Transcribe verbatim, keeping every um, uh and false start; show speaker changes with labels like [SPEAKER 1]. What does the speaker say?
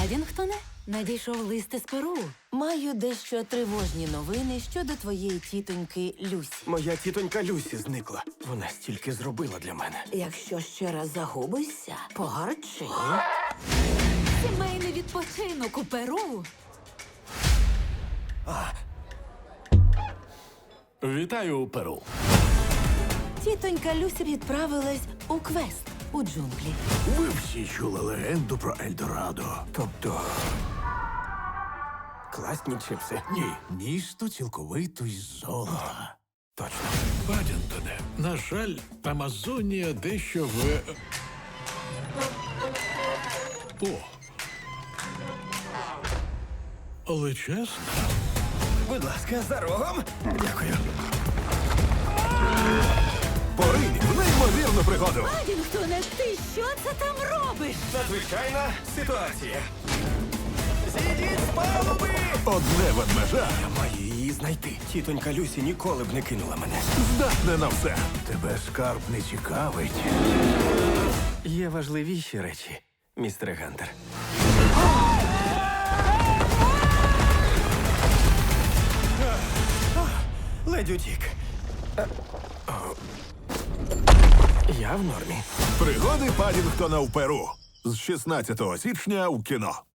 [SPEAKER 1] Падінгтоне, надійшов лист із Перу.
[SPEAKER 2] Маю дещо тривожні новини щодо твоєї тітоньки Люсі.
[SPEAKER 3] Моя тітонька Люсі зникла. Вона стільки зробила для мене.
[SPEAKER 2] Якщо ще раз загубишся, погарчи.
[SPEAKER 1] Сімейний відпочинок у Перу.
[SPEAKER 4] Вітаю, Перу.
[SPEAKER 2] Тітонька Люсі відправилась у квест у джунглі.
[SPEAKER 4] Ви всі чули легенду про Ельдорадо.
[SPEAKER 3] Тобто. Класні чипси.
[SPEAKER 4] Ні, місто цілковито із золота.
[SPEAKER 3] Точно.
[SPEAKER 4] Падінтоне, на жаль, Амазонія дещо в... О. Але чесно,
[SPEAKER 3] Будь ласка, за рогом. Дякую.
[SPEAKER 4] поринь в неймовірну пригоду.
[SPEAKER 1] Падінгтоне, ти що це там робиш?
[SPEAKER 3] Надзвичайна ситуація. Зійдіть з палуби!
[SPEAKER 4] Одне ведмежа
[SPEAKER 3] Я маю її знайти. Тітонька Люсі ніколи б не кинула мене.
[SPEAKER 4] здатне на все. Тебе скарб не цікавить.
[SPEAKER 3] Є важливіші речі, містере Гантер. Ледь утік. Е, о. Я в нормі.
[SPEAKER 4] Пригоди Падінгтона в Перу. З шістнадцятого січня у кіно.